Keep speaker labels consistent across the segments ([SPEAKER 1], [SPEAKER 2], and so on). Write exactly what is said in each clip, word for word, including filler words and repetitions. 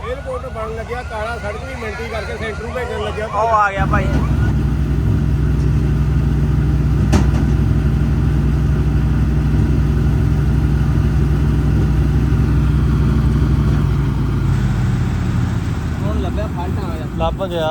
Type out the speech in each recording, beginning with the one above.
[SPEAKER 1] Airport ਬਣ ਲੱਗਿਆ ਕਾਲਾ ਸੜਕ ਵੀ ਮਿੰਟੀ ਕਰਕੇ ਸੈਂਟਰ ਨੂੰ ਭੇਜਣ ਲੱਗਿਆ।
[SPEAKER 2] ਉਹ ਆ ਗਿਆ ਭਾਈ। ਹੁਣ ਲੱਭਿਆ ਫਾਲਟ ਆ ਗਿਆ।
[SPEAKER 3] ਲੱਭ ਗਿਆ।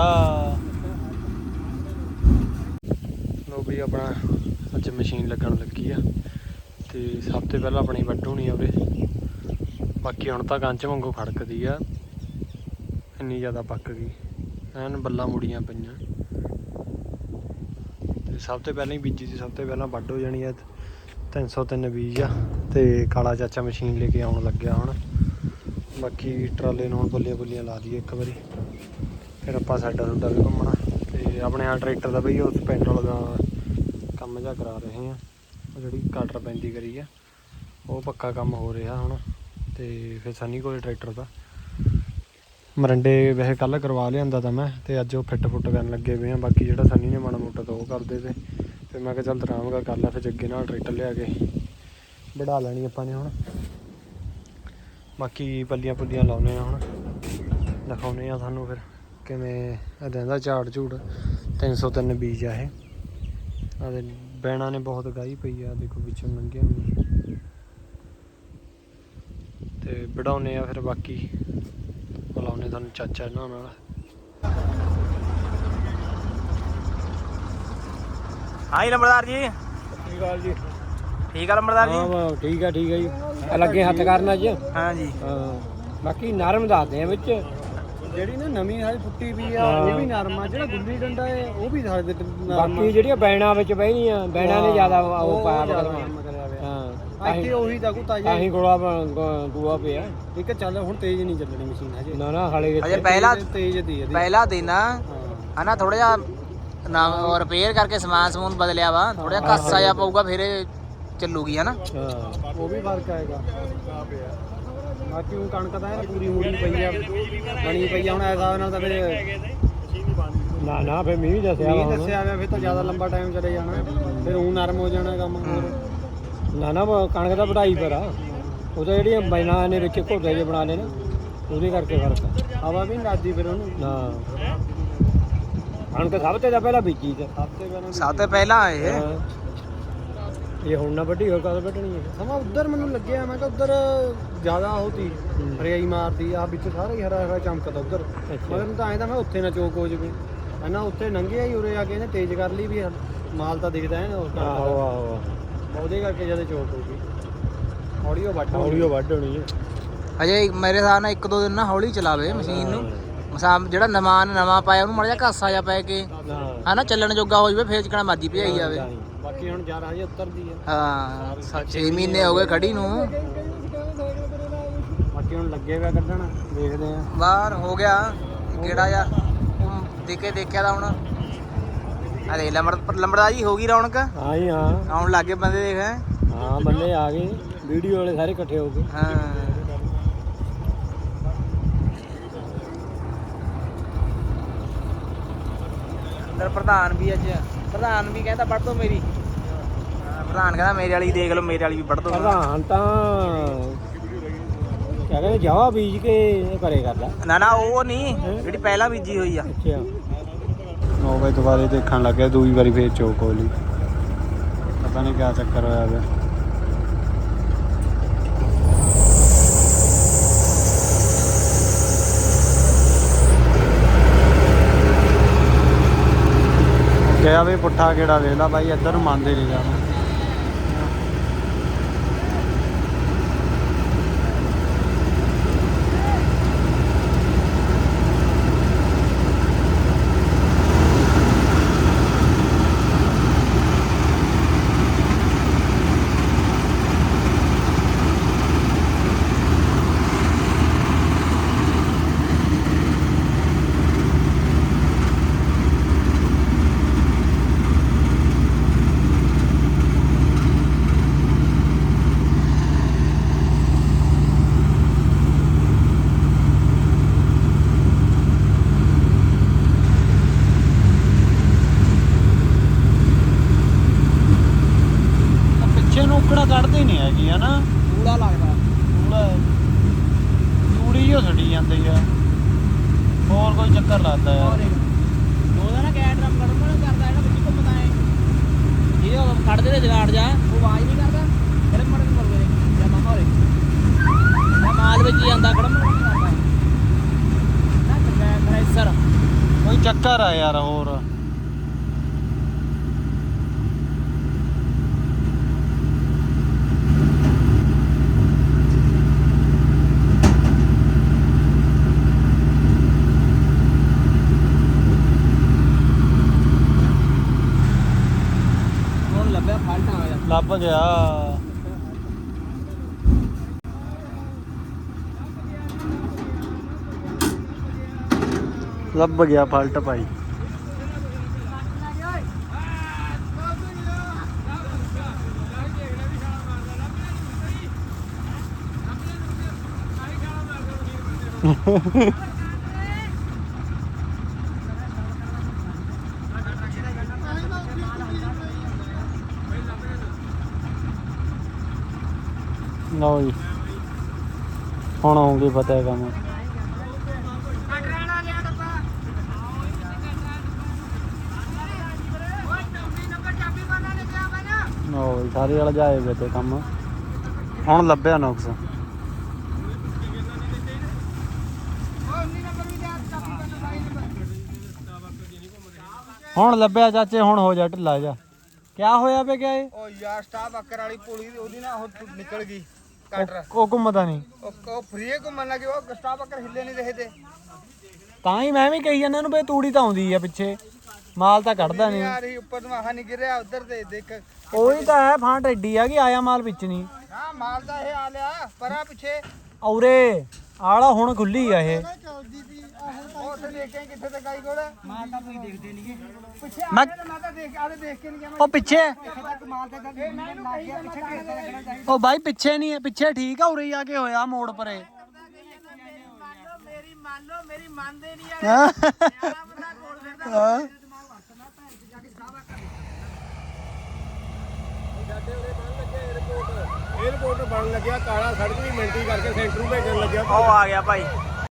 [SPEAKER 3] ਲੋ ਵੀ ਆਪਣਾ ਅੱਜ ਮਸ਼ੀਨ ਲੱਗਣ ਲੱਗੀ ਆ ਤੇ ਸਭ ਤੋਂ ਪਹਿਲਾਂ ਆਪਣੀ ਵੱਢ ਹੋਣੀ ਆ ਉਰੇ। ਬਾਕੀ ਹੁਣ ਤਾਂ ਕੰਚ ਵਾਂਗੂ ਖੜਕਦੀ ਆ, ਇੰਨੀ ਜ਼ਿਆਦਾ ਪੱਕ ਗਈ ਐਨ ਬੱਲਾਂ ਮੁੜੀਆਂ ਪਈਆਂ। ਤੇ ਸਭ ਤੋਂ ਪਹਿਲਾਂ ਹੀ ਬੀਜੀ ਸੀ, ਸਭ ਤੋਂ ਪਹਿਲਾਂ ਵੱਢ ਹੋ ਜਾਣੀ ਆ। ਤਿੰਨ ਸੌ ਤਿੰਨ ਬੀਜ ਆ ਤੇ ਕਾਲਾ ਚਾਚਾ ਮਸ਼ੀਨ ਲੈ ਕੇ ਆਉਣ ਲੱਗਿਆ ਹੁਣ। ਬਾਕੀ ਟਰਾਲੇ ਨੂੰ ਹੁਣ ਬੁੱਲੀਆਂ ਬੁੱਲੀਆਂ ਲਾ ਦਈਏ ਇੱਕ ਵਾਰੀ, ਫਿਰ ਆਪਾਂ ਸਾਡਾ ਸੁੱਡਾ ਵੀ ਘੁੰਮਣਾ। ਤੇ ਆਪਣੇ ਆ ਟਰੈਕਟਰ ਦਾ ਬਈ ਉਸ ਪੈਟਰੋਲ ਦਾ ਕੰਮ ਜਿਹਾ ਕਰਾ ਰਹੇ ਆ, ਉਹ ਜਿਹੜੀ ਕਟਰ ਪੈਂਦੀ ਕਰੀ ਆ ਉਹ ਪੱਕਾ ਕੰਮ ਹੋ ਰਿਹਾ ਹੁਣ। ਤੇ ਫਿਰ ਸਨੀ ਕੋਲ ਟਰੈਕਟਰ ਦਾ ਮਰੰਡੇ ਵੈਸੇ ਕੱਲ੍ਹ ਕਰਵਾ ਲਿਆਂਦਾ ਤਾਂ ਮੈਂ, ਤੇ ਅੱਜ ਉਹ ਫਿੱਟ ਫੁੱਟ ਕਰਨ ਲੱਗੇ ਪਏ ਆ। ਬਾਕੀ ਜਿਹੜਾ ਸਨੀ ਨੇ ਮਾੜਾ ਮੋਟਾ ਤਾਂ ਉਹ ਕਰਦੇ ਤੇ ਫਿਰ ਮੈਂ ਕਿਹਾ ਚੱਲ ਆਰਾਮਗਾ ਕਰ ਲਾ, ਫਿਰ ਜੱਗੇ ਨਾਲ ਟਰੈਕਟਰ ਲਿਆ ਕੇ ਵਢਾ ਲੈਣੀ ਆਪਾਂ ਨੇ ਹੁਣ। ਬਾਕੀ ਪੱਲੀਆਂ ਪੁੱਲੀਆਂ ਲਾਉਂਦੇ ਆ ਹੁਣ, ਦਿਖਾਉਂਦੇ ਆ ਤੁਹਾਨੂੰ ਫਿਰ ਕਿਵੇਂ ਰਹਿੰਦਾ ਝਾੜ ਝੂੜ। ਤਿੰਨ ਸੌ ਤਿੰਨ ਬੀਜ ਆ ਇਹ। ਆਦੇ ਬੈਣਾ ਨੇ ਬਹੁਤ ਗਾਹੀ ਪਈ ਆ, ਦੇਖੋ ਵਿੱਚੋਂ ਲੰਘਿਆ ਹੋਣੀ ਤੇ ਵਢਾਉਂਦੇ ਆ ਫਿਰ। ਬਾਕੀ ਬੁਲਾਉਂਦੇ ਤੁਹਾਨੂੰ ਚਾਚਾ ਇਹਨਾਂ ਨਾਲ।
[SPEAKER 2] ਹਾਂ ਜੀ ਨੰਬਰਦਾਰ ਜੀ।
[SPEAKER 1] ਸਤਿ ਸ਼੍ਰੀ ਅਕਾਲ ਜੀ।
[SPEAKER 2] ਠੀਕ ਆ ਨੰਬਰਦਾਰ ਜੀ।
[SPEAKER 1] ਹਾਂ ਠੀਕ ਆ ਠੀਕ ਆ ਜੀ। ਲੱਗੇ ਹੱਥ ਕਰਨ ਅੱਜ।
[SPEAKER 2] ਹਾਂ ਜੀ।
[SPEAKER 1] ਹਾਂ ਬਾਕੀ ਨਰਮ ਦੱਸਦੇ ਆ ਵਿੱਚ ਜਿਹੜੀ ਨਾ ਨਵੀਂ ਹਾਲੀ ਫੁੱਟੀ ਵੀ ਆ ਇਹ ਵੀ ਨਰਮ ਆ। ਜਿਹੜਾ ਗੁੱਲੀ ਡੰਡਾ ਹੈ ਉਹ ਵੀ ਸਾਡੇ ਬਾਕੀ ਜਿਹੜੀਆਂ ਬੈਣਾ ਵਿੱਚ ਬਹਿਣੀਆਂ ਬੈਣਾ ਨੇ ਜ਼ਿਆਦਾ ਉਹ ਪਾਇਆ ਬਕਲਵਾ। ਹਾਂ ਇੱਥੇ ਉਹੀ ਤਾਂ ਕੋ ਤਾਜ਼ਾ ਆਹੀ ਗੋਲਾ ਦੂਆ ਪਿਆ ਇੱਕ। ਚੱਲ ਹੁਣ ਤੇਜ਼ ਨਹੀਂ ਚੱਲਣੀ ਮਸ਼ੀਨ ਹਜੇ। ਨਾ ਨਾ ਹਾਲੇ
[SPEAKER 2] ਹਜੇ ਪਹਿਲਾ
[SPEAKER 1] ਤੇਜ਼ ਦੀ ਹੈ
[SPEAKER 2] ਪਹਿਲਾ ਦਿਨ ਆ ਹਨਾ। ਥੋੜਾ ਜਿਹਾ ਨਾ ਰਿਪੇਅਰ ਕਰਕੇ ਸਮਾਨ ਸਮੂਨ ਬਦਲਿਆ ਵਾ, ਥੋੜਾ ਜਿਹਾ ਕੱਸਾ ਜਿਹਾ ਪਊਗਾ ਫਿਰ ਚੱਲੂਗੀ ਹਨਾ।
[SPEAKER 1] ਹਾਂ ਉਹ ਵੀ ਫਰਕ ਆਏਗਾ। ਬਾਕੀ ਉਹ ਕਣਕ ਤਾਂ ਇਹ ਪੂਰੀ ਮੂੜੀ ਪਈ ਆ ਬਣੀ ਪਈ ਆ ਹੁਣ। ਇਸ ਹਿਸਾਬ ਨਾਲ ਤਾਂ ਫਿਰ ਨਾ ਨਾ ਫਿਰ ਮੀਂਹ ਦੱਸਿਆ ਮੀਂਹ ਦੱਸਿਆ ਵਾ ਫਿਰ ਤਾਂ ਜ਼ਿਆਦਾ ਲੰਬਾ ਟਾਈਮ ਚਲੇ ਜਾਣਾ, ਫਿਰ ਉਹ ਨਰਮ ਹੋ ਜਾਣਾ ਕੰਮ ਹੋਰ। ਨਾ ਨਾ ਕਣਕ ਦਾ ਵਢਾਈ ਪਰ ਆ ਉਹ ਤਾਂ ਜਿਹੜੀਆਂ ਬੈਨਾਂ ਨੇ ਵਿੱਚ ਘੋਟੇ ਜਿਹੇ ਬਣਾ ਲਏ ਨਾ ਉਹਦੇ ਕਰਕੇ ਫਰਕ ਆ। ਹਵਾ ਵੀ ਨਹੀਂ ਲੱਗਦੀ ਫਿਰ ਉਹਨੂੰ ਨਾ। ਕਣਕ ਸਭ ਤੋਂ ਪਹਿਲਾਂ ਬੀਜੀ ਤੇ ਸਭ ਤੋਂ ਪਹਿਲਾਂ
[SPEAKER 2] ਸਭ ਤੋਂ ਪਹਿਲਾਂ ਇਹ
[SPEAKER 1] ਇਹ ਹੁਣ ਨਾ ਵੱਢੀ ਹੋਰ ਕਦੋਂ ਵੱਢਣੀ ਹੈ। ਸਮਾਂ ਉੱਧਰ ਮੈਨੂੰ ਲੱਗਿਆ ਮੈਂ ਕਿਹਾ ਉੱਧਰ ਜ਼ਿਆਦਾ ਹੋਤੀ ਹਰਿਆਈ ਮਾਰਦੀ ਆ, ਵਿੱਚ ਸਾਰਾ ਹੀ ਹਰਾ ਹਰਾ ਚਮਕਦਾ ਉੱਧਰ। ਮਗਰ ਤਾਂ ਐਂ ਤਾਂ ਮੈਂ ਉੱਥੇ ਨਾ ਚੋਕ ਹੋ ਜਾਵੇ ਹੈ ਨਾ। ਉੱਥੇ ਲੰਘਿਆ ਹੀ ਉਰੇ ਆ ਕੇ ਇਹਨੇ ਤੇਜ਼ ਕਰ ਲਈ ਵੀ ਮਾਲ ਤਾਂ ਦਿਖਦਾ ਹੈ ਨਾ ਉਸ ਦਾ। ਆਹੋ ਆਹੋ ਉਹਦੇ ਕਰਕੇ ਜਦੋਂ ਚੋਕ ਹੋ ਗਈ ਹੌਲੀ ਉਹ ਵੱਢ ਹੌਲੀ ਉਹ ਵੱਢ ਹੋਣੀ ਹੈ।
[SPEAKER 2] ਹਜੇ ਮੇਰੇ ਹਿਸਾਬ ਨਾਲ ਇੱਕ ਦੋ ਦਿਨ ਨਾ ਹੌਲੀ ਚਲਾਵੇ ਮਸ਼ੀਨ ਨੂੰ। ਮਸਾ ਜਿਹੜਾ ਨਵਾਂ ਨਵਾਂ ਪਾਇਆ ਉਹਨੂੰ ਮਾੜਾ ਜਿਹਾ ਘਾਸਾ ਜਿਹਾ ਪੈ ਕੇ ਹਨਾ ਚੱਲਣ ਜੋਗਾ ਹੋ ਜਾਵੇ, ਫੇਰ ਚਕਣਾ ਮਰਜੀ ਭਜਾਈ ਜਾਵੇ।
[SPEAKER 1] ਬਾਕੀ ਹੁਣ ਯਾਰ ਹਜੇ ਉਤਰਦੀ ਆ।
[SPEAKER 2] ਹਾਂ ਛੇ ਮਹੀਨੇ ਹੋ ਗਏ ਖੜੀ ਨੂੰ।
[SPEAKER 1] ਬਾਕੀ ਹੁਣ ਲੱਗੇ ਹੋਇਆ ਕੱਢਣ ਦੇਖਦੇ ਆ।
[SPEAKER 2] ਬਾਹਰ ਹੋ ਗਿਆ ਕਿਹੜਾ ਜਿਹਾ ਦੇਖੇ ਦੇਖਿਆ ਤਾਂ ਹੁਣ ਆ ਦੇਖ ਲੰਬੜ ਲੰਬੜਾ ਜੀ ਹੋ ਗਈ ਰੌਣਕ।
[SPEAKER 1] ਹਾਂ ਜੀ ਹਾਂ
[SPEAKER 2] ਆਉਣ ਲੱਗੇ ਬੰਦੇ ਦੇਖ।
[SPEAKER 1] ਹਾਂ ਬੰਦੇ ਆ ਗਏ ਵੀਡੀਓ ਵਾਲੇ ਸਾਰੇ ਇਕੱਠੇ ਹੋ ਕੇ।
[SPEAKER 2] ਹਾਂ ਅੰਦਰ ਪ੍ਰਧਾਨ ਵੀ ਅੱਜ ਪ੍ਰਧਾਨ ਵੀ ਕਹਿੰਦਾ ਵੱਢ ਦੋ ਮੇਰੀ। ਪ੍ਰਧਾਨ ਕਹਿੰਦਾ ਮੇਰੇ ਵਾਲੀ ਦੇਖ ਲਓ, ਮੇਰੇ ਵਾਲੀ ਵੀ ਵੱਢ ਦੋ।
[SPEAKER 1] ਪ੍ਰਧਾਨ ਤਾਂ ਕਹਿੰਦੇ ਜਾਵਾ ਬੀਜ ਕੇ ਘਰੇ ਕਰਦਾ।
[SPEAKER 2] ਨਾ ਨਾ ਉਹ ਨਹੀਂ ਜਿਹੜੀ ਪਹਿਲਾਂ ਬੀਜੀ ਹੋਈ ਆ।
[SPEAKER 1] ਅੱਛਾ
[SPEAKER 3] ਨੌ ਵਜੇ ਦੁਬਾਰੇ ਦੇਖਣ ਲੱਗਿਆ ਦੂਜੀ ਵਾਰੀ ਫੇਰ ਚੋਕ ਹੋ ਲਈ। ਪਤਾ ਨਹੀਂ ਕਿਆ ਚੱਕਰ ਹੋਇਆ ਪਿਆ। ਗਿਆ ਵੀ ਪੁੱਠਾ ਕਿਹੜਾ ਵੇਖ ਲਾ ਬਾਈ, ਇੱਧਰ ਨੂੰ ਮੰਨਦੇ ਨਹੀਂ ਜਾਣਾ। ਕੱਢਦੇ ਨਹੀਂ ਹੈਗੀ ਹਨਾ।
[SPEAKER 2] ਕੂੜਾ ਲੱਗਦਾ
[SPEAKER 3] ਕੂੜਾ ਤੂੜੀ ਜੋ ਛੱਡੀ ਜਾਂਦੀ ਆ। ਹੋਰ ਕੋਈ ਚੱਕਰ ਲੱਗਦਾ ਯਾਰ
[SPEAKER 2] ਉਹਦਾ ਨਾ ਕੈਟ ਡਰਮ ਕੱਢਣ ਵਾਲਾ ਕਰਦਾ ਜਿਹੜਾ ਵਿੱਚ ਘੁੰਮਦਾ ਏ ਇਹ ਉਹ ਕੱਢਦੇ ਤੇ ਜਗਾੜ ਜਾ ਉਹ ਆਵਾਜ਼ ਨਹੀਂ ਕਰਦਾ ਫਿਰ ਮੜਨ ਮਰਵੇ ਜਾਂ ਮਾਮਾ ਹੋਰੇ ਜਾਂ ਮਾਲ ਵਿੱਚ ਹੀ ਆਂਦਾ ਕੜਮ ਕਰਦਾ ਨਾ ਕੰਪਰੈਸਰ
[SPEAKER 3] ਕੋਈ ਚੱਕਰ ਆ ਯਾਰ ਹੋਰ
[SPEAKER 2] ਹੁਣ ਲੱਭਿਆ ਫਾਲਟ ਆ ਗਿਆ
[SPEAKER 3] ਲੱਭ ਗਿਆ ਲੱਭ ਗਿਆ ਫਾਲਟ ਭਾਈ ਲਓ ਜੀ ਹੁਣ ਆਉਂਗੇ ਪਤਾ ਹੈ ਕੰਮ ਲਓ ਜੀ ਸਾਰੇ ਵਾਲਾ ਜਾਏ ਵੇ ਤੇ ਕੰਮ ਹੁਣ ਲੱਭਿਆ ਨੁਕਸ ਹੁਣ ਲੱਭਿਆ ਚਾਚੇ ਹੁਣ ਹੋ ਜਾ ਢਿੱਲਾ ਜਾ ਕਿਆ ਹੋਇਆ ਵੇ ਕਿਆ ਇਹ
[SPEAKER 1] ਉਹ ਯਾਰ ਸਟਾਫ ਅੱਕਰ ਵਾਲੀ ਪੁਲੀ ਉਹਦੀ ਨਾ ਉਹ ਨਿਕਲ ਗਈ ਕਟਰ
[SPEAKER 3] ਉਹ ਘੁੰਮਦਾ ਨਹੀਂ
[SPEAKER 1] ਉਹ ਉਹ ਫਰੀ ਘੁੰਮਣ ਲੱਗੇ ਉਹ ਸਟਾਫ ਅੱਕਰ ਹਿੱਲੇ ਨਹੀਂ ਰਹੇ ਤੇ
[SPEAKER 3] ਤਾਂ ਹੀ ਮੈਂ ਵੀ ਕਹੀ ਜਾਂਦਾ ਇਹਨੂੰ ਬਈ ਤੂੜੀ ਤਾਂ ਆਉਂਦੀ ਆ ਪਿੱਛੇ ਮਾਲ ਤਾਂ ਕੱਢਦਾ ਨਹੀਂ
[SPEAKER 1] ਯਾਰ ਇਹ ਉੱਪਰ ਤੋਂ ਆਹ ਨਹੀਂ ਗਿਰਿਆ ਉਧਰ ਤੇ ਦੇਖ
[SPEAKER 3] ਉਹੀ ਤਾਂ ਹੈ ਫਾਂਟ ਐਡੀ ਆ ਕਿ ਆਇਆ ਮਾਲ ਵਿੱਚ ਨਹੀਂ
[SPEAKER 1] ਹਾਂ ਮਾਲ ਦਾ ਇਹ ਆ ਲਿਆ ਪਰਾਂ ਪਿੱਛੇ
[SPEAKER 3] ਔਰੇ ਆਲਾ ਹੁਣ ਖੁੱਲੀ ਆ ਇਹ
[SPEAKER 1] ਉਹ ਉੱਥੇ ਦੇਖਿਆ ਕਿੱਥੇ ਤੇ ਗਾਈ ਕੋਲ ਮਾਲ ਤਾਂ ਤੁਸੀਂ ਦੇਖਦੇ ਨਹੀਂਗੇ ਪਿੱਛੇ
[SPEAKER 3] ਮੈਂ
[SPEAKER 1] ਮੈਂ ਤਾਂ ਦੇਖ ਆਦੇ ਦੇਖ ਕੇ ਨਹੀਂ ਗਿਆ
[SPEAKER 3] ਉਹ ਪਿੱਛੇ
[SPEAKER 1] ਤੱਕ ਮਾਲ ਤੇ ਤਾਂ ਇਹ ਮੈਂ ਇਹਨੂੰ ਕਹੀ ਜਾਂਦਾ ਪਿੱਛੇ ਕਿੱਥੇ ਲੱਗਣਾ ਚਾਹੀਦਾ
[SPEAKER 3] ਉਹ ਬਾਈ ਪਿੱਛੇ ਨਹੀਂ ਹੈ ਪਿੱਛੇ ਠੀਕ ਆ ਉਰੇ ਆ ਕੇ ਹੋਇਆ ਮੋੜ ਪਰੇ
[SPEAKER 2] ਮੇਰੀ ਮੰਨ ਲਓ ਮੇਰੀ ਮੰਨਦੇ ਨਹੀਂ
[SPEAKER 3] ਹਾਂ
[SPEAKER 2] ਬੰਦਾ ਕੋਲ ਫਿਰਦਾ
[SPEAKER 3] ਹਾਂ
[SPEAKER 1] 에어ਪੋਰਟ ਬਣ ਲੱਗਿਆ ਕਾਲਾ ਸੜਕ ਵੀ ਮਿੰਟੀ ਕਰਕੇ ਸੈਂਟਰ ਨੂੰ ਭੇਜਣ ਲੱਗਿਆ
[SPEAKER 2] ਉਹ ਆ ਗਿਆ ਭਾਈ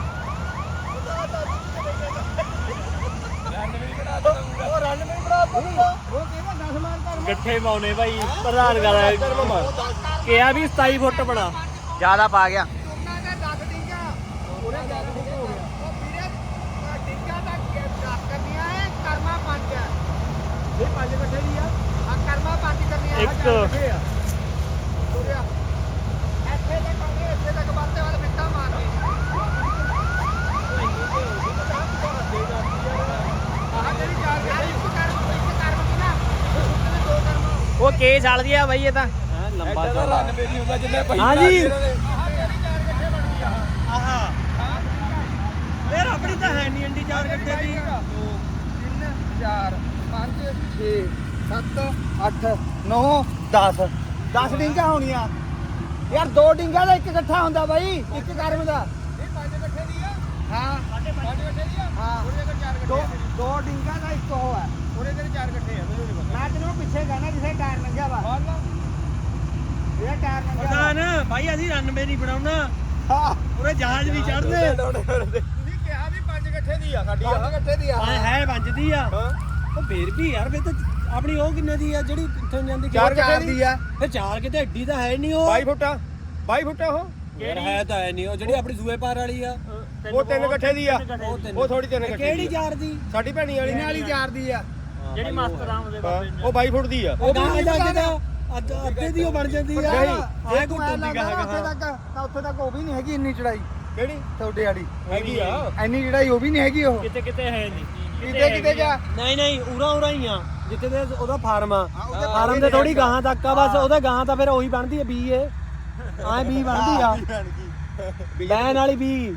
[SPEAKER 1] ਉਹ ਰਨ ਵੀ ਬਣਾ ਦੂੰਗਾ ਉਹ ਕਿਹਦਾ ਦਸ ਮਾਰ ਕਰ
[SPEAKER 3] ਗੱਠੇ ਪਾਉਨੇ ਭਾਈ ਪ੍ਰਧਾਨ ਗੱਲ ਕਿਹਾ ਵੀ ਸਤਾਈ ਫੁੱਟ ਬਣਾ
[SPEAKER 2] ਜਿਆਦਾ ਪਾ ਗਿਆ
[SPEAKER 1] ਉਹਨਾਂ ਦਾ ਦਸ ਡਿੰਗਾ ਉਹਨੇ ਦਸ ਡਿੰਗਾ ਹੋ ਗਿਆ ਉਹ ਵੀਰੇ ਡਿੰਗਾ ਦਾ ਦਸ ਕਰਨੀਆਂ ਹੈ ਕਰਮਾ ਪੰਜ ਹੈ ਇਹ ਪੰਜ ਇਕੱਠੇ ਦੀ ਆ ਆ ਕਰਮਾ ਪੰਜ ਕਰਨੀਆਂ ਆ
[SPEAKER 3] ਇੱਕ।
[SPEAKER 1] ਚਾਰ ਇਕੱਠੇ ਆ ਤੁਰਿਆ ਇੱਥੇ ਤੱਕ ਆਉਂਦੇ ਇੱਥੇ ਤੱਕ ਬਾਤੇ ਵਾਲੇ ਮਿੱਟਾ ਮਾਰਦੇ ਆਹ ਜਿਹੜੀ ਚਾਰ ਯਾਰ ਇੱਕ ਕਰਮ ਇੱਕ ਕਰਮ ਦੀ ਨਾ ਉਹਦੇ ਦੋ ਕਰਮ
[SPEAKER 2] ਉਹ ਕੇ ਚੱਲਦੀ ਆ ਬਾਈ ਇਹ ਤਾਂ
[SPEAKER 3] ਲੰਬਾ
[SPEAKER 1] ਰਨ ਮੇਰੀ ਹੁੰਦਾ ਜਿੰਨੇ ਪੈਸੇ
[SPEAKER 3] ਹਾਂਜੀ।
[SPEAKER 1] ਆਹ ਜਿਹੜੀ ਚਾਰ ਇਕੱਠੇ ਬਣੀ ਆ
[SPEAKER 3] ਆਹਾ ਯਾਰ ਆਪਣੀ ਤਾਂ ਹੈ ਨਹੀਂ ਅੰਡੀ ਚਾਰ ਗੱਠੇ ਦੀ
[SPEAKER 1] ਤਿੰਨ ਚਾਰ ਪੰਜ ਛੇ ਸੱਤ ਅੱਠ ਨੌ ਦਸ ਦਸ ਡਿੰਗਾ ਹੋਣੀਆਂ ਯਾਰ ਦੋ ਡਿੰਗਾ ਦਾ ਇੱਕ ਇਕੱਠਾ ਹੁੰਦਾ ਬਾਈ ਇੱਕ ਕਰਮ ਦਾ ਇਹ ਪੰਜ ਇਕੱਠੇ ਦੀ ਆ ਹਾਂ ਪੰਜ ਇਕੱਠੇ ਦੀ ਆ ਹਾਂ ਉਹਦੇ ਕੋਲ ਚਾਰ ਇਕੱਠੇ ਆ ਦੋ ਡਿੰਗਾ ਦਾ ਇੱਕ ਉਹ ਹੈ ਉਹਦੇ ਕੋਲ ਚਾਰ ਇਕੱਠੇ ਆ ਮੈਨੂੰ ਨਹੀਂ ਪਤਾ ਮੈਂ ਤੈਨੂੰ ਪਿੱਛੇ ਕਹਿਣਾ ਜਿੱਥੇ ਟਾਇਰ ਲੰਘਿਆ ਵਾ ਇਹ ਟਾਇਰ ਲੰਘਿਆ ਵਾ
[SPEAKER 3] ਪ੍ਰਧਾਨ ਭਾਈ ਅਸੀਂ ਰਨਵੇ ਨਹੀਂ ਬਣਾਉਣਾ
[SPEAKER 1] ਹਾਂ
[SPEAKER 3] ਉਰੇ ਜਹਾਜ਼ ਵੀ ਚੜਦੇ
[SPEAKER 1] ਤੁਸੀਂ ਕਿਹਾ ਵੀ ਪੰਜ ਇਕੱਠੇ ਦੀ ਆ ਸਾਡੀ ਪੰਜ ਇਕੱਠੇ ਦੀ ਆ
[SPEAKER 3] ਹੈ ਪੰਜ ਦੀ ਆ
[SPEAKER 1] ਹਾਂ
[SPEAKER 3] ਉਹ ਫੇਰ ਵੀ ਯਾਰ ਫੇਰ ਤਾਂ ਆਪਣੀ ਉਹ ਕਿੰਨੇ ਦੀ ਆ ਜਿਹੜੀ ਕਿੱਥੋਂ ਜਾਂਦੀ
[SPEAKER 1] ਚਾਰ ਇਕੱਠੇ ਦੀ ਆ
[SPEAKER 3] ਫੇਰ ਚਾਰ ਕਿਤੇ ਐਡੀ ਤਾਂ ਹੈ ਨਹੀਂ ਉਹ
[SPEAKER 1] ਬਾਈ ਫੁੱਟਾ ਬਾਈ ਫੁੱਟਾ ਉਹ
[SPEAKER 3] ਯਾਰ ਹੈ ਤਾਂ ਹੈ ਨਹੀਂ ਉਹ ਜਿਹੜੀ ਆਪਣੀ ਸੂਏ ਪਾਰ ਵਾਲੀ ਆ
[SPEAKER 1] ਉਹ ਤਿੰਨ ਇਕੱਠੇ ਦੀ ਆ
[SPEAKER 3] ਉਹ ਤਿੰਨ।
[SPEAKER 1] ਉਹ ਥੋੜੀ ਤਿੰਨ ਇਕੱਠੇ
[SPEAKER 3] ਕਿਹੜੀ
[SPEAKER 1] ਦੀ ਆ।
[SPEAKER 3] ਚਾਰ ਦੀ
[SPEAKER 1] ਸਾਡੀ ਭੈਣੀ ਵਾਲੀ ਵਾਲੀ ਚਾਰ ਦੀ ਆ
[SPEAKER 2] ਜਿਹੜੀ ਮਸਤ ਰਾਮ ਦੇ
[SPEAKER 1] ਹਾਂ, ਉਹ ਬਾਈ ਫੁੱਟ ਦੀ ਆ
[SPEAKER 3] ਉਹ ਗਾਂ ਜਾ ਕੇ ਤਾਂ ਅੱਧ ਅੱਧੇ ਦੀ ਉਹ ਬਣ ਜਾਂਦੀ ਆ
[SPEAKER 1] ਨਹੀਂ
[SPEAKER 3] ਆਏ ਕੋਈ ਟੁੱਟੀ ਗਾ
[SPEAKER 1] ਉੱਥੇ
[SPEAKER 3] ਹੈਗਾ
[SPEAKER 1] ਤੱਕ ਤਾਂ ਉੱਥੇ ਤੱਕ ਉਹ ਵੀ ਨਹੀਂ ਹੈਗੀ ਇੰਨੀ ਚੜਾਈ ਕਿਹੜੀ ਤੁਹਾਡੇ ਵਾਲੀ ਹੈਗੀ ਆ ਇੰਨੀ ਚੜਾਈ ਉਹ ਵੀ ਨਹੀਂ ਹੈਗੀ ਉਹ
[SPEAKER 3] ਕਿਤੇ ਕਿਤੇ ਹੈ ਨਹੀਂ
[SPEAKER 1] ਕਿਤੇ ਕਿਤੇ ਜਾ
[SPEAKER 3] ਨਹੀਂ ਨਹੀਂ ਉਰਾ ਉਰਾ ਹੀ ਆ ਜਿੱਥੇ ਦੇ ਉਹਦਾ ਫਾਰਮ ਆ
[SPEAKER 1] ਉਹਦੇ
[SPEAKER 3] ਫਾਰਮ ਦੇ ਥੋੜੀ ਗਾਂ ਤੱਕ ਆ ਬਸ ਉਹਦੇ ਗਾਂ ਤਾਂ ਫਿਰ ਉਹੀ ਬਣਦੀ ਆ ਬੀ ਏ ਐ ਬੀ ਬਣਦੀ ਆ ਬੈਨ ਵਾਲੀ ਬੀ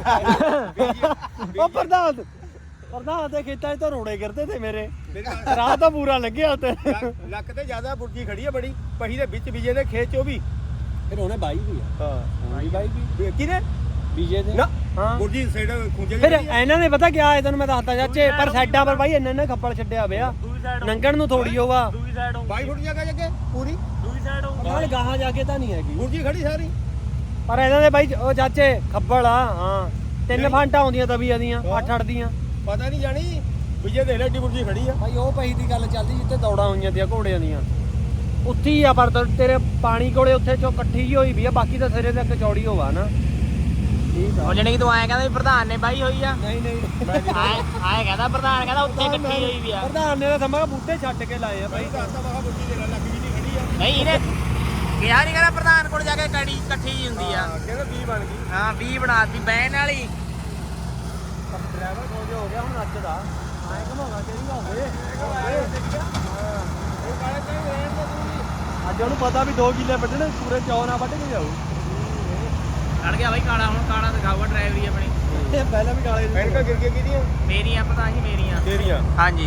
[SPEAKER 3] ਉਹ ਪ੍ਰਧਾਨ ਪ੍ਰਧਾਨ ਦੇ ਖੇਤਾਂ 'ਚ ਤਾਂ ਰੋੜੇ ਗਿਰਦੇ ਤੇ ਮੇਰੇ ਰਾਹ ਤਾਂ ਪੂਰਾ ਲੱਗਿਆ ਤੇ
[SPEAKER 1] ਲੱਕ ਤੇ ਜ਼ਿਆਦਾ ਬੁਰਜੀ ਖੜੀ ਆ ਬੜੀ ਪਹੀ ਦੇ ਵਿੱਚ ਬੀਜੇ ਦੇ ਖੇਤ ਚ ਉਹ ਵੀ
[SPEAKER 3] ਫਿਰ ਉਹਨੇ ਬਾਈ ਵੀ ਆ
[SPEAKER 1] ਹਾਂ
[SPEAKER 3] ਬਾਈ ਬਾਈ ਵੀ
[SPEAKER 1] ਕਿਹਨੇ
[SPEAKER 3] ਬੀਜੇ ਦੇ
[SPEAKER 1] ਨਾ
[SPEAKER 3] ਹਾਂ
[SPEAKER 1] ਬੁਰਜੀ ਸਾਈਡ ਖੁੰਝੇ
[SPEAKER 3] ਫਿਰ ਇਹਨਾਂ ਨੇ ਪਤਾ ਕਿਆ ਹੈ ਤੈਨੂੰ ਮੈਂ ਦੱਸਦਾ ਚਾਚੇ ਪਰ ਸਾਈਡਾਂ ਪਰ ਬਾਈ ਇੰਨੇ ਨੇ ਖੱਪਲ ਛੱਡਿਆ ਪਿਆ ਨੰਗਣ ਨੂੰ ਥੋੜੀ ਹੋਵਾ
[SPEAKER 2] ਦੂਜੀ ਸਾਈਡ
[SPEAKER 1] ਬਾਈ ਫੁੱਟ ਜਗ੍ਹਾ ਜੱਗੇ ਪੂਰੀ
[SPEAKER 2] ਦੂਜੀ ਸਾਈਡ
[SPEAKER 3] ਨਾਲ ਗਾਹਾਂ ਜਾ ਕੇ ਤਾਂ ਨਹੀਂ ਹੈਗੀ
[SPEAKER 1] ਬੁਰਜੀ ਖੜੀ ਸਾਰੀ
[SPEAKER 3] ਪਰ ਇਹਨਾਂ ਦੇ ਬਾਈ ਉਹ ਚਾਚੇ ਖੱਬਲ ਆ ਹਾਂ
[SPEAKER 1] ਤਿੰਨ ਫਾਂਟਾਂ ਆਉਂਦੀਆਂ ਤਵੀਆਂ ਦੀਆਂ ਅੱਠ ਅੱਠ ਦੀਆਂ
[SPEAKER 3] ਪਤਾ ਨਹੀਂ ਜਾਣੀ ਵੀ ਜੇ ਦੇਖ ਲੈ ਏਡੀ ਬੁਰਜੀ ਖੜੀ ਆ
[SPEAKER 1] ਭਾਈ ਉਹ ਪਈ ਦੀ ਗੱਲ ਚੱਲਦੀ ਜਿੱਥੇ ਦੌੜਾਂ ਹੋਈਆਂ ਦੀਆਂ ਘੋੜਿਆਂ ਦੀਆਂ ਉੱਥੇ ਹੀ ਆ ਪਰ ਤੇਰੇ ਪਾਣੀ ਕੋਲੇ ਉੱਥੇ ਚੋਂ ਇਕੱਠੀ ਹੀ ਹੋਈ ਵੀ ਆ ਬਾਕੀ ਤਾਂ ਸਿਰੇ ਤੱਕ ਚੌੜੀ ਹੋਵਾ ਨਾ ਠੀਕ ਆ
[SPEAKER 2] ਉਹ ਜਣੇ ਕਿ ਤੂੰ ਆਇਆ ਕਹਿੰਦਾ ਵੀ ਪ੍ਰਧਾਨ ਨੇ ਬਾਈ ਹੋਈ ਆ
[SPEAKER 1] ਨਹੀਂ ਨਹੀਂ
[SPEAKER 2] ਆਏ ਆਏ ਕਹਿੰਦਾ ਪ੍ਰਧਾਨ ਕਹਿੰਦਾ ਉੱਥੇ ਇਕੱਠੀ ਹੋਈ ਵੀ ਆ
[SPEAKER 1] ਪ੍ਰਧਾਨ ਨੇ ਤਾਂ ਸਮਾਂ ਬੂਟੇ ਛੱਡ ਕੇ ਲਾਏ ਆ ਭਾਈ
[SPEAKER 2] ਨਹੀਂ ਇਹਨੇ ਕਿਹਾ ਨਹੀਂ ਕਹਿੰਦਾ ਪ੍ਰਧਾਨ ਕੋਲ ਜਾ ਕੇ ਕੜੀ ਇਕੱਠੀ ਜੀ ਹੁੰਦੀ ਆ
[SPEAKER 3] ਕਹਿੰਦਾ ਵੀਹ ਬਣ ਗਈ
[SPEAKER 2] ਹਾਂ ਵੀਹ ਬਣਾਤੀ ਬੈਨ ਵਾਲੀ
[SPEAKER 1] ਡਰਾਈਵਰ ਕੋਲ ਹੋ ਗਿਆ ਹੁਣ ਨੱਚਦਾ ਆਏ ਘਮਾਉਣਾ ਚਾਹੀਦਾ ਹੋਵੇ ਅੱਜ ਉਹਨੂੰ ਪਤਾ ਵੀ ਦੋ ਕਿੱਲੇ ਵੱਢਣੇ ਪੂਰੇ ਚੌ ਨਾ ਵੱਢ ਕੇ ਜਾਊ
[SPEAKER 2] ਖੜ ਗਿਆ ਬਾਈ ਕਾਲਾ ਹੁਣ ਕਾਲਾ ਦਿਖਾਊਗਾ ਡਰਾਈਵਰੀ ਆਪਣੀ
[SPEAKER 1] ਇਹ ਪਹਿਲਾਂ ਵੀ ਕਾਲੇ
[SPEAKER 3] ਐਨਕਾਂ ਗਿਰ ਗਿਆ ਕਿਹਦੀਆਂ
[SPEAKER 2] ਮੇਰੀਆਂ ਪਤਾ ਹੀ ਮੇਰੀਆਂ
[SPEAKER 3] ਤੇਰੀਆਂ
[SPEAKER 2] ਹਾਂਜੀ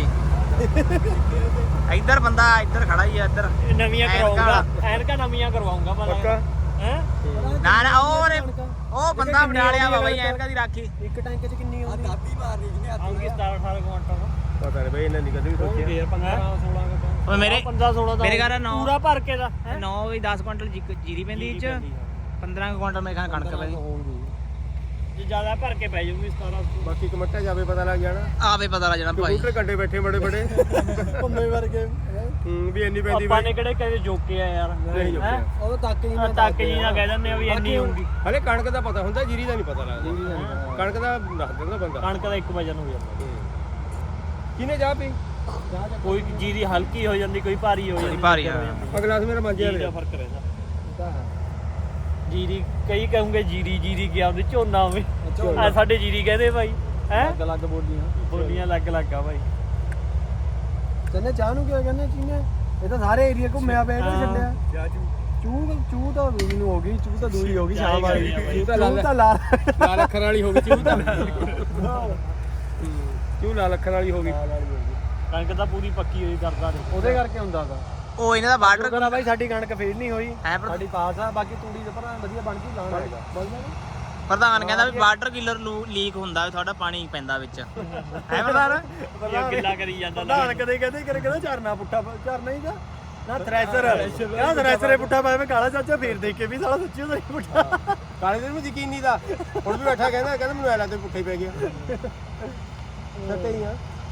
[SPEAKER 2] ਇੱਧਰ ਬੰਦਾ ਇੱਧਰ ਖੜਾ ਹੀ ਆ ਇੱਧਰ
[SPEAKER 1] ਨਵੀਆਂ
[SPEAKER 2] ਕਰਵਾਊਂਗਾ।
[SPEAKER 1] ਐਨਕਾਂ ਨਵੀਆਂ ਕਰਵਾਉਂਗਾ ਮੈਂ
[SPEAKER 3] ਪੱਕਾ
[SPEAKER 1] ਹੈ
[SPEAKER 2] ਨਾ ਨਾ ਉਹ ਉਹਨੇ- ਉਹ ਬੰਦਾ ਬਣਾ ਲਿਆ ਵਾ ਬਾਈ ਐਨਕਾਂ ਦੀ ਰਾਖੀ
[SPEAKER 1] ਇੱਕ ਟੈਂਕ ਚ ਕਿੰਨੀ ਆਉਂਦੀ ਦਾਤੀ ਮਾਰਨੀ ਜਿਹਨੇ ਆਉਂਗੀ ਸਤਾਰਾਂ ਅਠਾਰਾਂ ਕੁਆਂਟਲ
[SPEAKER 3] ਪਤਾ ਨਹੀਂ ਬਈ ਇਹਨਾਂ ਦੀ ਕਦੇ ਵੀ ਸੋਚਿਆ
[SPEAKER 1] ਫੇਰ ਪੰਦਰਾਂ ਸੋਲਾਂ ਕੁਆਂਟਲ
[SPEAKER 2] ਓਏ ਮੇਰੇ
[SPEAKER 1] ਪੰਦਰਾਂ ਸੋਲਾਂ ਦਾ
[SPEAKER 2] ਮੇਰੇ ਘਰ ਨੌ
[SPEAKER 1] ਪੂਰਾ ਭਰ ਕੇ ਦਾ
[SPEAKER 2] ਨੌ ਵੀ ਦਸ ਕੁਇੰਟਲ ਜੀ- ਜੀਰੀ ਪੈਂਦੀ ਇਹ ਚ ਪੰਦਰਾਂ ਕੁ ਕੁਇੰਟਲ ਮੇਰੇ ਖਾਂ ਕਣਕ ਪੈਂਦੀ
[SPEAKER 1] ਜੇ ਜ਼ਿਆਦਾ ਭਰ ਕੇ ਪੈ ਜਾਊਗੀ ਸਤਾਰਾਂ
[SPEAKER 3] ਬਾਕੀ ਕਮੱਟਾ ਜਾਵੇ ਪਤਾ ਲੱਗ ਜਾਣਾ
[SPEAKER 2] ਆਵੇ ਪਤਾ ਲੱਗ ਜਾਣਾ ਭਾਈ
[SPEAKER 3] ਕੰਪਿਊਟਰ ਕੰਡੇ ਬੈਠੇ ਬੜੇ ਬੜੇ
[SPEAKER 1] ਭੰਮੇ ਵਰਗੇ
[SPEAKER 3] ਹੂੰ ਵੀ ਇੰਨੀ ਪੈਂਦੀ
[SPEAKER 1] ਆਪਾਂ ਨੇ ਕਿਹੜੇ ਕਦੇ ਜੋਕੇ ਆ ਯਾਰ
[SPEAKER 3] ਨਹੀਂ ਜੋਕਿਆ।
[SPEAKER 1] ਉਹ ਤੱਕ ਜੀ ਨਾ ਤੱਕ ਜੀ ਨਾ ਕਹਿ ਦਿੰਦੇ ਆ ਵੀ ਇੰਨੀ ਹੋਊਗੀ
[SPEAKER 3] ਹਲੇ ਕਣਕ ਦਾ ਪਤਾ ਹੁੰਦਾ ਜੀਰੀ ਦਾ ਨਹੀਂ ਪਤਾ ਲੱਗਦਾ ਕਣਕ ਦਾ ਦੱਸ ਦਿੰਦਾ ਬੰਦਾ
[SPEAKER 1] ਕਣਕ ਦਾ ਇੱਕ ਵਜਨ ਹੋ ਜਾਂਦਾ
[SPEAKER 3] ਕਿਨੇ ਜਾ ਪੀ
[SPEAKER 1] ਕੋਈ ਜੀਰੀ ਹਲਕੀ ਹੋ ਜਾਂਦੀ ਕੋਈ ਭਾਰੀ ਹੋ ਜਾਂਦੀ
[SPEAKER 2] ਭਾਰੀ ਆ।
[SPEAKER 3] ਅਗਲਾ ਮੇਰਾ ਮੰਜਿਆ
[SPEAKER 1] ਜੀਰੀ ਦਾ ਫਰਕ ਰਹਿੰਦਾ ਜੀਰੀ ਕਈ ਕਹੂੰਗੇ ਜੀਰੀ ਜੀਰੀ ਗਿਆ ਉਹਦੇ ਝੋਨਾ ਹੋਵੇ ਆ ਸਾਡੇ ਜੀਰੀ ਕਹਿੰਦੇ ਭਾਈ ਹੈ ਅਲੱਗ ਅਲੱਗ ਬੋਲੀਆਂ ਬੋਲੀਆਂ ਅਲੱਗ ਅਲੱਗ ਆ ਭਾਈ ਕਹਿੰਦੇ ਚਾਹ ਨੂੰ ਕਿਹਾ ਕਹਿੰਦੇ ਚੀਨੇ ਇਹ ਤਾਂ ਸਾਰੇ ਏਰੀਆ ਘੁੰਮਿਆ ਪਿਆ ਇਹਨੇ ਛੱਡਿਆ ਚੂ ਚੂ ਤਾਂ ਦੂਜੀ ਨੂੰ ਹੋ ਗਈ ਚੂ ਤਾਂ ਦੂਜੀ ਹੋ ਗਈ ਸ਼ਾਮ ਵਾਲੀ
[SPEAKER 3] ਚੂ ਤਾਂ
[SPEAKER 1] ਚੂ ਤਾਂ ਲਾ
[SPEAKER 3] ਲਾਲ ਅੱਖਰ ਵਾਲੀ ਹੋ ਗਈ ਚੂ ਤਾਂ ਚੂ ਲਾਲ ਅੱਖਰ ਵਾਲੀ ਹੋ ਗਈ
[SPEAKER 1] ਕਣਕ ਤਾਂ ਪੂਰੀ ਪੱਕੀ ਹੋਈ ਕਰਦਾ ਉਹਦੇ ਕਰਕੇ ਹੁੰਦਾ ਗਾ
[SPEAKER 2] ਉਹ ਇਹਨਾਂ ਦਾ ਬਾਰਡਰ
[SPEAKER 1] ਕਹਿੰਦਾ ਬਾਈ ਸਾਡੀ ਕਣਕ ਫੇਲ ਨਹੀਂ ਹੋਈ
[SPEAKER 2] ਹੈ ਪਰ
[SPEAKER 1] ਸਾਡੀ ਪਾਸ ਆ ਬਾਕੀ ਤੂੜੀ ਦੇ ਭਰਾ ਵਧੀਆ ਬਣ ਗਈ ਲਾਉਣ ਆਏਗਾ
[SPEAKER 2] ਪ੍ਰਧਾਨ ਕਹਿੰਦਾ ਵੀ ਵਾਟਰ ਕਿਲਰ ਲੀਕ ਹੁੰਦਾ ਵੀ ਤੁਹਾਡਾ ਪਾਣੀ ਪੈਂਦਾ ਵਿੱਚ ਹੈ ਪ੍ਰਧਾਨ
[SPEAKER 1] ਗਿੱਲਾ ਕਰੀ ਜਾਂਦਾ ਪ੍ਰਧਾਨ ਕਦੇ ਕਦੇ ਕਰੇ ਕਹਿੰਦਾ ਝਰਨਾ ਪੁੱਠਾ ਝਰਨਾ ਹੀ ਦਾ ਨਾ ਥ੍ਰੈਸ਼ਰ ਆ ਥ੍ਰੈਸ਼ਰ ਪੁੱਠਾ ਪਾਇਆ ਮੈਂ ਕਾਲਾ ਚਾਚਾ ਫੇਰ ਦੇਖ ਕੇ ਵੀ ਸਾਲਾ ਸੱਚੀ ਉਹਦਾ ਹੀ ਪੁੱਠਾ
[SPEAKER 3] ਕਾਲੇ ਦਿਨ ਨੂੰ ਯਕੀਨ ਨਹੀਂ ਦਾ ਹੁਣ ਵੀ ਬੈਠਾ ਕਹਿੰਦਾ ਕਹਿੰਦਾ ਮੈਨੂੰ ਐ ਲੱਗਦਾ ਪੁੱਠਾ ਹੀ ਪੈ ਗਿਆ ਸੱਤੇ ਹੀ ਆ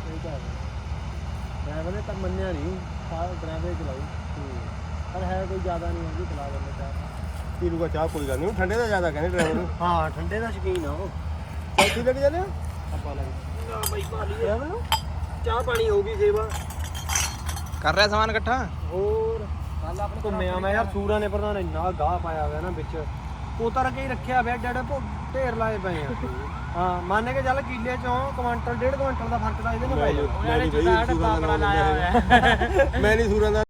[SPEAKER 1] ਡਰਾਈਵਰ ਨੇ ਤਾਂ ਮੰਨਿਆ ਨਹੀਂ ਡਰਾਈਵਰ ਚਲਾਈ ਪਰ ਹੈ ਕੋਈ ਜ਼ਿਆਦਾ ਨਹੀਂ ਹੈਗੀ ਚਲਾ ਲੈਂਦੇ ਚਾਹ
[SPEAKER 3] ਪੀ ਲੂਗਾ ਚਾਹ ਕੋਈ ਗੱਲ ਨਹੀਂ ਠੰਡੇ ਦਾ ਜ਼ਿਆਦਾ ਕਹਿੰਦੇ ਡਰਾਈਵਰ ਨੂੰ
[SPEAKER 1] ਹਾਂ ਠੰਡੇ ਦਾ ਸ਼ੌਕੀਨ ਆ ਉਹ
[SPEAKER 3] ਚੌਥੀ ਲੱਗ ਜਾਂਦੇ ਆ
[SPEAKER 1] ਆਪਾਂ ਲੱਗ ਨਾ ਬਾਈ ਭਾਲੀ ਆ ਚਾਹ ਪਾਣੀ ਹੋਊਗੀ ਸੇਵਾ
[SPEAKER 2] ਕਰ ਰਿਹਾ ਸਮਾਨ ਇਕੱਠਾ
[SPEAKER 1] ਹੋਰ ਕੱਲ ਆਪਣੇ ਘੁੰਮਿਆ ਮੈਂ ਯਾਰ ਸੂਰਾਂ ਨੇ ਪ੍ਰਧਾਨ ਇੰਨਾ ਗਾਹ ਪਾਇਆ ਹੋਇਆ ਨਾ ਵਿੱਚ ਉਤਰ ਕੇ ਹੀ ਰੱਖਿਆ ਪਿਆ ਜਿਹੜੇ ਢੇਰ ਲਾਏ ਪਏ ਆ ਹਾਂ ਮੰਨ ਕੇ ਚੱਲ ਕਿੱਲੇ ਚੋਂ ਕੁਆਂਟਲ ਡੇਢ ਕੁਆਂਟਲ ਦਾ ਫਰਕ ਤਾਂ ਇਹਦੇ ਨਾਲ ਪੈ ਜਾਊ
[SPEAKER 3] ਮੈਂ ਨਹੀਂ ਸੂਰਾਂ ਦਾ